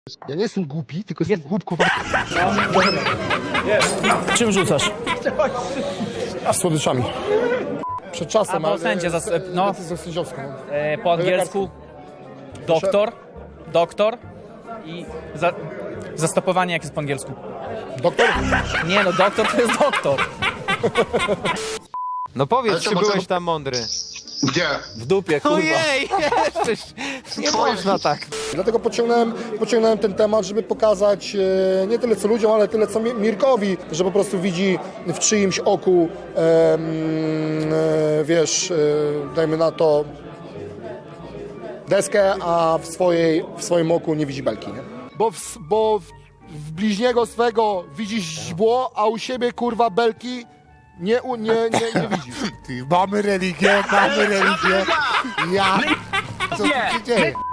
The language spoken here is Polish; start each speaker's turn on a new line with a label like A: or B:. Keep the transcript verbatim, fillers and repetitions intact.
A: Ja nie jestem głupi, tylko jestem głupkowaty.
B: Czym rzucasz?
A: Słodyczami. Przed czasem,
B: A, bo sędzia zas- no.
A: decyzją sędziowską.
B: E, po angielsku doktor, doktor i za, zastopowanie jak jest po angielsku.
A: Doktor?
B: Nie no, doktor to jest doktor.
C: No powiedz,
D: Ale
C: czy
D: to
C: byłeś
D: może-
C: tam mądry.
D: Gdzie?
C: W dupie, kurwa. Ojej, jeszcze nie można tak.
A: Dlatego pociągnąłem, pociągnąłem ten temat, żeby pokazać e, nie tyle co ludziom, ale tyle co Mi- Mirkowi, że po prostu widzi w czyimś oku, e, mm, e, wiesz, e, dajmy na to deskę, a w, swojej, w swoim oku nie widzi belki, nie? Bo w, bo w, w bliźniego swego widzisz źdźbło, a u siebie kurwa belki nie, u- nie, nie, nie widzisz. Ty, mamy religię, mamy religię. Ja... Co tu się dzieje?